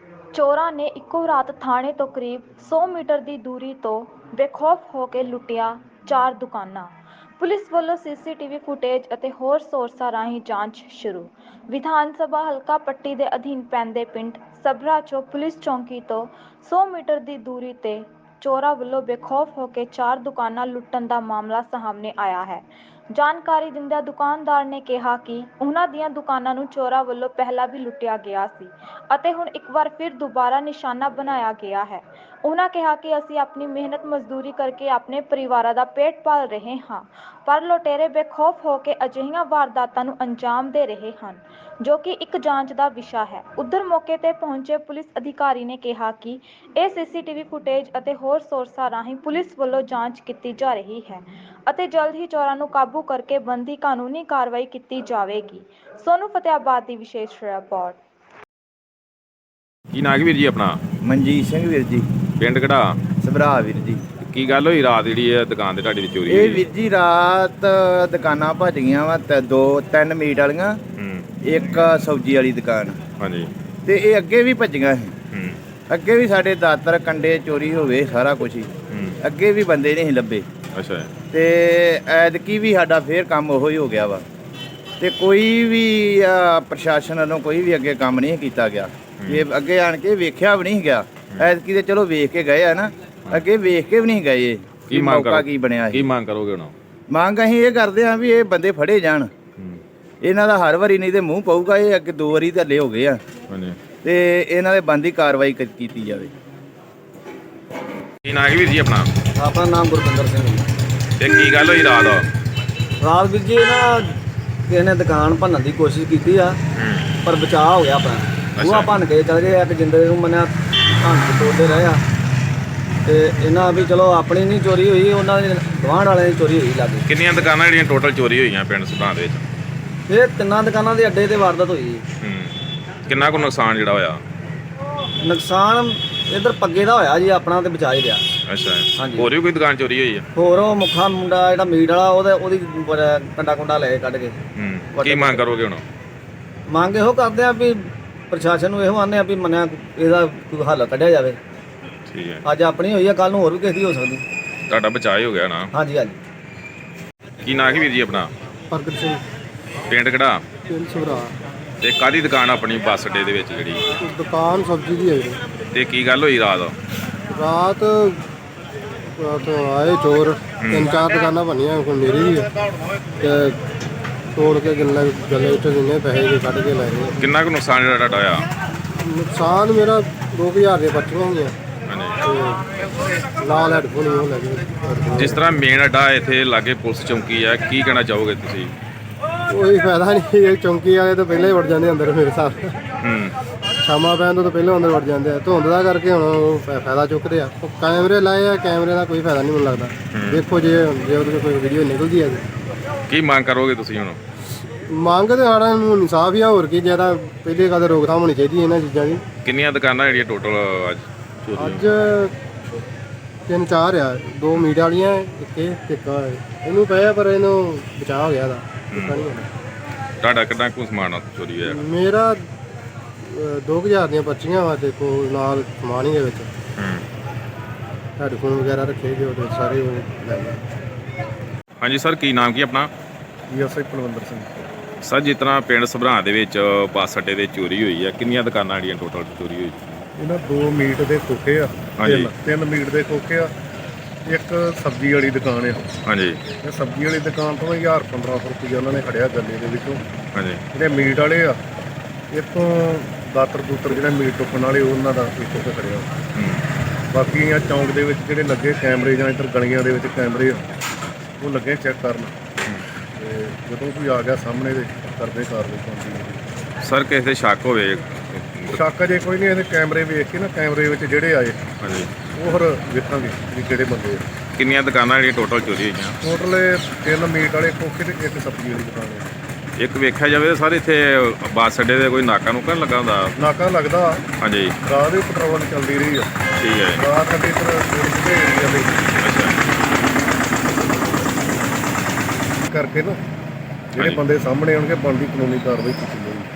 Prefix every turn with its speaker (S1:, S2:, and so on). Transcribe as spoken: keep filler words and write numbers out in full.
S1: ਚੋਰਾਂ ਨੇ ਇੱਕੋ ਰਾਤ ਥਾਣੇ ਤੋਂ ਕਰੀਬ ਸੌ ਮੀਟਰ ਦੀ ਦੂਰੀ ਤੋਂ ਬੇਖੌਫ ਹੋ ਕੇ ਲੁੱਟੀਆਂ ਚਾਰ ਦੁਕਾਨਾਂ। ਪੁਲਿਸ ਵੱਲੋਂ ਸੀਸੀਟੀਵੀ ਫੁਟੇਜ ਅਤੇ ਹੋਰ ਸੋਰਸਾਂ ਰਾਹੀਂ ਜਾਂਚ ਸ਼ੁਰੂ। ਵਿਧਾਨ ਸਭਾ ਹਲਕਾ ਪੱਟੀ ਦੇ ਅਧੀਨ ਪੈਂਦੇ ਪਿੰਡ ਸਭਰਾ 'ਚੋਂ ਪੁਲਿਸ ਚੌਂਕੀ ਤੋਂ ਸੌ ਮੀਟਰ ਦੀ ਦੂਰੀ 'ਤੇ ਚੋਰਾਂ ਵੱਲੋਂ ਬੇਖੌਫ ਹੋ ਕੇ ਚਾਰ ਦੁਕਾਨਾਂ ਲੁੱਟਣ ਦਾ ਮਾਮਲਾ ਸਾਹਮਣੇ ਆਇਆ ਹੈ। ਜਾਣਕਾਰੀ ਦਿੰਦਿਆਂ ਦੁਕਾਨਦਾਰ ਨੇ ਕਿਹਾ ਕਿ ਉਹਨਾਂ ਦੀਆਂ ਦੁਕਾਨਾਂ ਨੂੰ ਚੋਰਾਂ ਵੱਲੋਂ ਪਹਿਲਾਂ ਵੀ ਲੁੱਟਿਆ ਗਿਆ ਸੀ ਅਤੇ ਹੁਣ ਇੱਕ ਵਾਰ ਫਿਰ ਦੁਬਾਰਾ ਨਿਸ਼ਾਨਾ ਬਣਾਇਆ ਗਿਆ ਹੈ। ਉਹਨਾਂ ਕਿਹਾ ਕਿ ਅਸੀਂ ਆਪਣੀ ਮਿਹਨਤ ਮਜ਼ਦੂਰੀ ਕਰਕੇ ਆਪਣੇ ਪਰਿਵਾਰਾਂ ਦਾ ਪੇਟ ਪਾਲ ਰਹੇ ਹਾਂ, ਪਰ ਲੁਟੇਰੇ ਬੇਖੌਫ ਹੋ ਕੇ ਅਜਿਹੀਆਂ ਵਾਰਦਾਤਾਂ ਨੂੰ ਅੰਜਾਮ ਦੇ ਰਹੇ ਹਨ, ਜੋ ਕਿ ਇੱਕ ਜਾਂਚ ਦਾ ਵਿਸ਼ਾ ਹੈ। ਉੱਧਰ ਮੌਕੇ ਤੇ ਪਹੁੰਚੇ ਪੁਲਿਸ ਅਧਿਕਾਰੀ ਨੇ ਕਿਹਾ ਕਿ ਇਹ ਸੀਸੀਟੀਵੀ ਫੁਟੇਜ ਅਤੇ ਹੋਰ ਸੋਰਸਾਂ ਰਾਹੀਂ ਪੁਲਿਸ ਵੱਲੋਂ ਜਾਂਚ ਕੀਤੀ ਜਾ ਰਹੀ ਹੈ ਅਤੇ ਜਲਦ ਹੀ ਚੋਰਾਂ ਨੂੰ ਕਾਬੂ ਕਰਕੇ ਬਣਦੀ ਕਾਨੂੰਨੀ ਕਾਰਵਾਈ ਕੀਤੀ ਜਾਵੇਗੀ। ਸੋਨੂੰ ਫਤਿਆਬਾਦ ਦੀ ਵਿਸ਼ੇਸ਼ ਰਿਪੋਰਟ।
S2: ਕੀ ਨਾਂ ਵੀਰ ਜੀ ਆਪਣਾ?
S3: ਮਨਜੀਤ ਸਿੰਘ ਵੀਰ ਜੀ।
S2: ਪਿੰਡ ਕਿਹੜਾ?
S3: ਸਭਰਾ ਵੀਰ ਜੀ।
S2: ਕੀ ਗੱਲ ਹੋਈ ਰਾਤ ਜਿਹੜੀ ਇਹ ਦੁਕਾਨ ਤੇ ਤੁਹਾਡੀ ਦੀ ਚੋਰੀ
S3: ਇਹ
S2: ਹੋਈ?
S3: ਵੀਰ ਜੀ ਰਾਤ ਦੁਕਾਨਾਂ ਭੱਜ ਗਈਆਂ ਵਾ ਤੇ ਦੋ ਤਿੰਨ ਮੀਟ ਵਾਲੀਆਂ,
S2: ਹੂੰ,
S3: ਇੱਕ ਸਬਜ਼ੀ ਵਾਲੀ ਦੁਕਾਨ,
S2: ਹਾਂਜੀ,
S3: ਤੇ ਇਹ ਅੱਗੇ ਵੀ ਭੱਜੀਆਂ ਸੀ।
S2: ਹੂੰ,
S3: ਅੱਗੇ ਵੀ ਸਾਡੇ ਦਾਤਰ ਕੰਡੇ ਚੋਰੀ ਹੋਵੇ ਸਾਰਾ ਕੁਝ ਹੀ,
S2: ਹੂੰ,
S3: ਅੱਗੇ ਵੀ ਬੰਦੇ ਨਹੀਂ ਸੀ ਲੱਭੇ,
S2: ਅੱਛਾ,
S3: ਤੇ ਐਤਕੀ ਵੀ ਸਾਡਾ ਫੇਰ ਕੰਮ ਉਹੋ ਹੀ ਹੋ ਗਿਆ ਵਾ ਤੇ ਕੋਈ ਵੀ ਆ, ਪ੍ਰਸ਼ਾਸਨ ਵੱਲੋਂ ਕੋਈ ਵੀ ਅੱਗੇ ਕੰਮ ਨਹੀਂ ਕੀਤਾ ਗਿਆ। ਇਹ ਅੱਗੇ ਆਣ ਕੇ ਵੇਖਿਆ ਵੀ ਨਹੀਂ ਗਿਆ। ਐਤਕੀ ਤੇ ਚਲੋ ਵੇਖ ਕੇ ਗਏ ਆ ਨਾ, ਅੱਗੇ ਵੇਖ ਕੇ ਵੀ ਨਹੀਂ ਗਏ।
S2: ਕੀ ਮੰਗ
S3: ਮੌਕਾ ਕੀ ਬਣਿਆ?
S2: ਕੀ ਮੰਗ ਕਰੋਗੇ ਹੁਣ?
S3: ਮੰਗ ਅਸੀਂ ਇਹ ਕਰਦੇ ਹਾਂ ਵੀ ਇਹ ਬੰਦੇ ਫੜੇ ਜਾਣ।
S2: ਹੂੰ,
S3: ਇਹਨਾਂ ਦਾ ਹਰ ਵਾਰੀ ਨਹੀਂ ਤੇ ਮੂੰਹ ਪਊਗਾ। ਇਹ ਅੱਗੇ ਦੋ ਵਾਰੀ ਥੱਲੇ ਹੋ ਗਏ ਆ
S2: ਹਾਂਜੀ,
S3: ਤੇ ਇਹਨਾਂ ਦੇ ਬੰਦੀ ਕਾਰਵਾਈ ਕ- ਕੀਤੀ ਜਾਵੇ।
S2: ਕੀ ਨਾਂ ਵੀਰ ਜੀ ਆਪਣਾ?
S4: ਆਪਣਾ ਨਾਮ ਗੁਰਵਿੰਦਰ ਸਿੰਘ ਜੀ।
S2: ਤੇ ਕੀ ਗੱਲ ਹੋਈ ਰਾਤ?
S4: ਰਾਤ ਵੀਰ ਜੀ ਨਾ ਕਿਸੇ ਨੇ ਦੁਕਾਨ ਭੰਨਣ ਦੀ ਕੋਸ਼ਿਸ਼ ਕੀਤੀ ਆ,
S2: ਹੂੰ,
S4: ਪਰ ਬਚਾਅ ਹੋ ਗਿਆ ਆਪਣਾ। ਬੂਹਾ ਭੰਨ ਕੇ ਚਲ ਗਏ ਆ, ਇੱਕ ਜਿੰਦੇ ਨੂੰ ਮੰਨਿਆ ਭੰਨ ਕੇ ਤੋੜਦੇ ਰਹੇ ਆ। ਤੇ ਇਹਨਾਂ ਵੀ ਚਲੋ ਆਪਣੀ ਨਹੀਂ ਚੋਰੀ ਹੋਈ, ਉਹਨਾਂ ਦੇ ਗੁਆਂਢ ਵਾਲਿਆਂ ਦੀ ਚੋਰੀ ਹੋਈ ਲਾਗੇ।
S2: ਕਿੰਨੀਆਂ ਦੁਕਾਨਾਂ ਜਿਹੜੀਆਂ ਟੋਟਲ ਚੋਰੀ ਹੋਈਆਂ ਪਿੰਡ ਸੁਧਾਂ ਦੇ ਵਿੱਚ?
S4: ਇਹ ਤਿੰਨਾਂ ਦੁਕਾਨਾਂ ਦੇ ਅੱਡੇ ਤੇ ਵਾਰਦਾਤ ਹੋਈ ਜੀ।
S2: ਹੂੰ, ਕਿੰਨਾ ਕੁ ਨੁਕਸਾਨ ਜਿਹੜਾ ਹੋਇਆ?
S4: ਨੁਕਸਾਨ ਇੱਧਰ ਪੱਗੇ ਦਾ ਹੋਇਆ ਜੀ, ਆਪਣਾ ਤੇ ਬਚਾ ਹੀ ਰਿਹਾ।
S2: ਅੱਛਾ,
S4: ਹਾਂਜੀ।
S2: ਹੋਰ ਵੀ ਕੋਈ ਦੁਕਾਨ ਚੋਰੀ ਹੋਈ ਆ?
S4: ਹੋਰ ਉਹ ਮੁੱਖਾ ਮੁੰਡਾ ਜਿਹੜਾ ਮੀਟ ਵਾਲਾ, ਉਹਦੇ ਉਹਦੀ ਕੰਡਾ ਕੁੰਡਾ ਲੈ ਕੱਢ ਕੇ।
S2: ਹੂੰ, ਕੀ ਮੰਗ ਕਰੋਗੇ ਹੁਣ?
S4: ਮੰਗ ਇਹੋ ਕਰਦੇ ਆ ਵੀ ਪ੍ਰਸ਼ਾਸਨ ਨੂੰ ਇਹੋ ਆਨੇ ਆ ਵੀ ਮੰਨਿਆ ਇਹਦਾ ਕੋਈ ਹੱਲ ਕੱਢਿਆ ਜਾਵੇ।
S2: ਠੀਕ ਹੈ,
S4: ਅੱਜ ਆਪਣੀ ਹੋਈ ਆ, ਕੱਲ ਨੂੰ ਹੋਰ ਵੀ ਕਿਸੇ ਦੀ ਹੋ ਸਕਦੀ।
S2: ਤੁਹਾਡਾ ਬਚਾਅ ਹੀ ਹੋ ਗਿਆ ਨਾ?
S4: ਹਾਂਜੀ ਹਾਂਜੀ।
S2: ਕੀ ਨਾਂ ਵੀਰ ਜੀ ਆਪਣਾ?
S5: ਪ੍ਰਗਟ ਸਿੰਘ,
S2: ਪਿੰਡ ਕਿਹੜਾ?
S5: ਪਿੰਡ ਸਭਰਾ।
S2: ਤੇ ਕਾਹਦੀ ਦੁਕਾਨ ਆਪਣੀ ਬੱਸ ਅੱਡੇ ਦੇ ਵਿੱਚ ਜਿਹੜੀ?
S5: ਦੁਕਾਨ ਸਬਜ਼ੀ ਦੀ ਹੈ ਜੀ।
S2: ਤੇ ਕੀ ਗੱਲ ਹੋਈ ਰਾਤ?
S5: ਰਾਤ ਤੋਂ ਆਏ ਚੋਰ, ਤਿੰਨ ਚਾਰ ਦੁਕਾਨਾਂ ਬਣੀਆਂ, ਕੋਈ ਮੇਰੀ ਵੀ ਹੈ, ਤੇ ਤੋੜ ਕੇ ਗੱਲੇ ਗੱਲੇ ਵਿੱਚੋਂ ਜਿੰਨੇ ਪੈਸੇ ਦੇ ਕੱਢ ਕੇ ਲੈ ਗਏ।
S2: ਕਿੰਨਾ ਕੁ ਨੁਕਸਾਨ ਜਿਹੜਾ ਤੁਹਾਡਾ ਹੋਇਆ?
S5: ਨੁਕਸਾਨ ਮੇਰਾ ਦੋ ਕੁ ਹਜ਼ਾਰ ਦੀਆਂ ਪਰਚੀਆਂ ਹੋਈਆਂ
S2: ਹਾਂਜੀ,
S5: ਤੇ ਨਾਲ ਹੈਡਫੋਨ ਉਹ ਲੈ ਗਏ।
S2: ਜਿਸ ਤਰ੍ਹਾਂ ਮੇਨ ਅੱਡਾ ਇੱਥੇ ਲਾਗੇ ਪੁਲਿਸ ਚੌਂਕੀ ਹੈ, ਕੀ ਕਹਿਣਾ ਚਾਹੋਗੇ ਤੁਸੀਂ?
S5: ਕੋਈ ਫਾਇਦਾ ਨਹੀਂ, ਇਹ ਚੌਂਕੀ ਵਾਲੇ ਤੋਂ ਪਹਿਲਾਂ ਹੀ ਵੜ ਜਾਂਦੇ ਅੰਦਰ ਮੇਰੇ ਹਿਸਾਬ ਨਾਲ।
S2: ਹੂੰ,
S5: ਸ਼ਾਮਾਂ ਪੈਣ ਤੋਂ ਪਹਿਲਾਂ ਅੰਦਰ ਵੜ ਜਾਂਦੇ ਆ। ਧੁੰਦ ਦਾ ਕਰਕੇ ਹੁਣ ਉਹ ਫਾ- ਫਾਇਦਾ ਚੁੱਕਦੇ ਆ। ਉਹ ਕੈਮਰੇ ਲਾਏ ਆ, ਕੈਮਰੇ ਦਾ ਕੋਈ ਫਾਇਦਾ ਨਹੀਂ ਮੈਨੂੰ ਲੱਗਦਾ। ਦੇਖੋ ਜੇ ਜੇ ਉਹਦੇ 'ਚੋਂ ਕੋਈ ਵੀਡੀਓ ਨਿਕਲਦੀ ਹੈ ਤੇ
S2: ਕੀ ਮੰਗ ਕਰੋਗੇ ਤੁਸੀਂ ਹੁਣ?
S5: ਮੰਗ ਤੇ ਸਾਡਾ ਨੂੰ ਇਨਸਾਫ ਹੀ ਆ, ਹੋਰ ਕੀ। ਜ਼ਿਆਦਾ ਪਹਿਲੇ ਕਦੇ ਰੋਕਥਾਮ ਹੋਣੀ ਚਾਹੀਦੀ ਇਹਨਾਂ ਚੀਜ਼ਾਂ ਦੀ।
S2: ਕਿੰਨੀਆਂ ਦੁਕਾਨਾਂ ਜਿਹੜੀਆਂ ਟੋਟਲ ਅੱਜ ਚੋਰੀ ਹੋਈਆਂ?
S5: ਅੱਜ ਤਿੰਨ ਚਾਰ ਆ, ਦੋ ਮੀਟ ਵਾਲੀਆਂ, ਇੱਕ ਇਹ ਇੱਕ ਆਹ ਹੈ। ਇਹਨੂੰ ਪਿਆ ਪਰ ਇਹਨੂੰ ਬਚਾਅ ਹੋ ਗਿਆ ਦਾ। ਪਤਾ ਨਹੀਂ ਹੋਣਾ।
S2: ਤੁਹਾਡਾ ਕਿੰਨਾ ਕੁ ਸਮਾਨ ਚੋਰੀ ਹੋਇਆ?
S5: ਮੇਰਾ ਅਹ, ਦੋ ਕੁ ਹਜ਼ਾਰ ਦੀਆਂ ਪਰਚੀਆਂ ਵਾ, ਦੇਖੋ ਨਾਲ ਸਮਾਨ ਹੀ ਦੇ ਵਿੱਚ
S2: ਹੂੰ,
S5: ਹੈਡਫੋਨ ਵਗੈਰਾ ਰੱਖੇ ਗਏ, ਉਹਦੇ ਸਾਰੇ ਉਹ ਲੈ ਗਏ।
S2: ਹਾਂਜੀ ਸਰ, ਕੀ ਨਾਮ ਕੀ ਆਪਣਾ?
S5: S I Palwinder Singh.
S2: Sir, ਜਿਸ ਤਰ੍ਹਾਂ ਪਿੰਡ ਸਭਰਾਂ ਦੇ ਵਿੱਚ ਬੱਸ ਅੱਡੇ ਤੇ ਚੋਰੀ ਹੋਈ ਹੈ, ਕਿੰਨੀਆਂ ਦੁਕਾਨਾਂ ਜਿਹੜੀਆਂ ਟੋਟਲ ਚੋਰੀ ਹੋਈ?
S6: ਇਹਨਾਂ ਦੋ ਮੀਟ ਦੇ ਖੋਖੇ ਆ,
S2: ਹਾਂਜੀ।
S6: ਤਿੰਨ ਤਿੰਨ ਮੀਟ ਦੇ ਖੋਖੇ ਆ, ਇੱਕ ਸਬਜ਼ੀ ਵਾਲੀ ਦੁਕਾਨ ਆ।
S2: ਹਾਂਜੀ,
S6: ਇਹ ਸਬਜ਼ੀ ਵਾਲੀ ਦੁਕਾਨ ਤੋਂ ਹਜ਼ਾਰ ਪੰਦਰਾਂ ਸੌ ਰੁਪਈਆ ਉਹਨਾਂ ਨੇ ਖੜਿਆ ਗੱਲੇ ਦੇ ਵਿੱਚੋਂ।
S2: ਹਾਂਜੀ,
S6: ਜਿਹੜੇ ਮੀਟ ਵਾਲੇ ਆ, ਇੱਥੋਂ ਦਾਤਰ ਦੂਤਰ ਜਿਹੜੇ ਮੀਟ ਟੁੱਕਣ ਵਾਲੇ ਉਹਨਾਂ ਦਾ ਇੱਥੋਂ ਤੇ ਖੜਿਆ।
S2: ਹੂੰ,
S6: ਬਾਕੀ ਆ ਚੌਂਕ ਦੇ ਵਿੱਚ ਜਿਹੜੇ ਲੱਗੇ ਕੈਮਰੇ ਜਾਂ ਇੱਧਰ ਗਲੀਆਂ ਦੇ ਵਿੱਚ ਕੈਮਰੇ ਆ, ਉਹ ਲੱਗੇ ਚੈੱਕ ਕਰਨ, ਤੇ ਜਦੋਂ ਕੋਈ ਆ ਗਿਆ ਸਾਹਮਣੇ ਦੇ ਕਰਦੇ ਕਾਰਵਾਈ ਕਰਦੀ।
S2: ਸਰ ਕਿਸੇ ਦੇ ਸ਼ੱਕ ਹੋਵੇ?
S6: ਸ਼ੱਕ ਜੇ ਕੋਈ ਨਹੀਂ, ਇਹਦੇ ਕੈਮਰੇ ਵੇਖ ਕੇ ਨਾ, ਕੈਮਰੇ ਵਿੱਚ ਜਿਹੜੇ ਆਏ
S2: ਹਾਂਜੀ,
S6: ਉਹ ਫਿਰ ਵੇਖਾਂਗੇ ਵੀ ਕਿਹੜੇ ਬੰਦੇ ਆ।
S2: ਕਿੰਨੀਆਂ ਦੁਕਾਨਾਂ ਜਿਹੜੀਆਂ ਟੋਟਲ ਚੋਰੀ ਹੋਈਆਂ?
S6: ਟੋਟਲ ਤਿੰਨ ਮੀਟ ਵਾਲੇ ਖੋਖੇ ਤੇ ਇੱਕ ਸਬਜ਼ੀ ਵਾਲੀ ਦੁਕਾਨ ਹੈ।
S2: ਇੱਕ ਵੇਖਿਆ ਜਾਵੇ ਤਾਂ ਸਰ ਇੱਥੇ ਬੱਸ ਅੱਡੇ ਤੇ ਕੋਈ ਨਾਕਾ ਨੂਕਾ ਨੀ ਲੱਗਾ ਹੁੰਦਾ?
S6: ਨਾਕਾ ਲੱਗਦਾ,
S2: ਹਾਂਜੀ,
S6: ਰਾਤ ਵੀ ਪੈਟਰੋਲਿੰਗ ਚੱਲਦੀ ਰਹੀ ਆ।
S2: ਠੀਕ ਹੈ,
S6: ਰਾਤ ਸਾਡੇ ਇੱਧਰ ਏਰੀਆ ਦੇ
S2: ਅੱਛਾ,
S6: ਕਰਕੇ ਨਾ ਜਿਹੜੇ ਬੰਦੇ ਸਾਹਮਣੇ ਆਉਣਗੇ ਬਣਦੀ ਕਾਨੂੰਨੀ ਕਾਰਵਾਈ ਕੀਤੀ ਜਾਊਗੀ।